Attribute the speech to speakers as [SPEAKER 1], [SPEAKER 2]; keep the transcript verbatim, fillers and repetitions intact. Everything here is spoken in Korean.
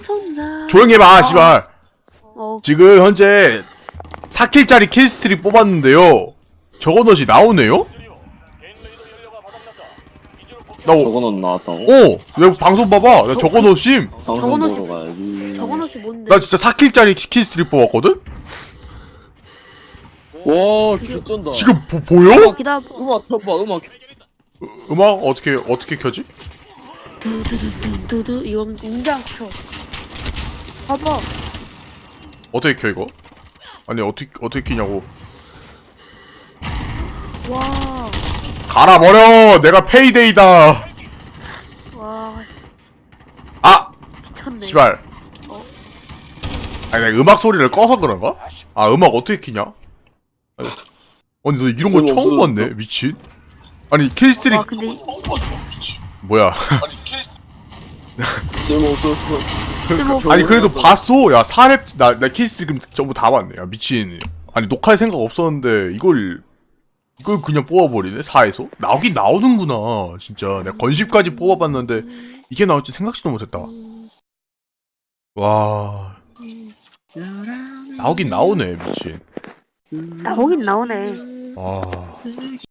[SPEAKER 1] 손가.
[SPEAKER 2] 조용히 해봐, 씨발.
[SPEAKER 1] 어.
[SPEAKER 2] 지금 현재 사 킬짜리 킬스트릭 뽑았는데요. 저거넛이 나오네요? 나, 어,
[SPEAKER 3] 저거는 나왔다고?
[SPEAKER 2] 어, 내 방송 봐봐. 나 저거넛임.
[SPEAKER 3] 방송
[SPEAKER 1] 저거는
[SPEAKER 3] 보러 가야지.
[SPEAKER 1] 저건 혹시 뭔데?
[SPEAKER 2] 나 진짜 사 킬짜리 킬스트릭 뽑았거든?
[SPEAKER 3] 와, 개쩐다.
[SPEAKER 2] 지금 보, 보여?
[SPEAKER 1] 기다려.
[SPEAKER 3] 음악 켜봐, 음악.
[SPEAKER 2] 음악 어떻게, 어떻게 켜지?
[SPEAKER 1] 두두두두두 이건 인장 켜. 봐봐.
[SPEAKER 2] 어떻게 켜, 이거? 아니, 어떻게, 어떻게 키냐고.
[SPEAKER 1] 와.
[SPEAKER 2] 갈아버려! 내가 페이데이다!
[SPEAKER 1] 와.
[SPEAKER 2] 아!
[SPEAKER 1] 미쳤네.
[SPEAKER 2] 씨발.
[SPEAKER 1] 어?
[SPEAKER 2] 아니, 내가 음악 소리를 꺼서 그런가? 아, 음악 어떻게 키냐? 아니, 아니 너 이런 거
[SPEAKER 3] 소리
[SPEAKER 2] 처음
[SPEAKER 3] 없어졌어?
[SPEAKER 2] 봤네? 미친. 아니, 킬스트릭,
[SPEAKER 1] 와 근데 이-
[SPEAKER 2] 뭐야.
[SPEAKER 3] 쓸모없어.
[SPEAKER 1] 쓸모없어.
[SPEAKER 2] 아니, 그래도 봤어. 야, 사 렙, 나, 나 킬스트릭 전부 다 봤네. 야, 미친. 아니, 녹화할 생각 없었는데, 이걸, 이걸 그냥 뽑아버리네? 사에서? 나오긴 나오는구나. 진짜. 내가 건십까지 뽑아봤는데, 이게 나올지 생각지도 못했다. 와. 나오긴 나오네, 미친.
[SPEAKER 1] 나오긴 나오네.
[SPEAKER 2] 와.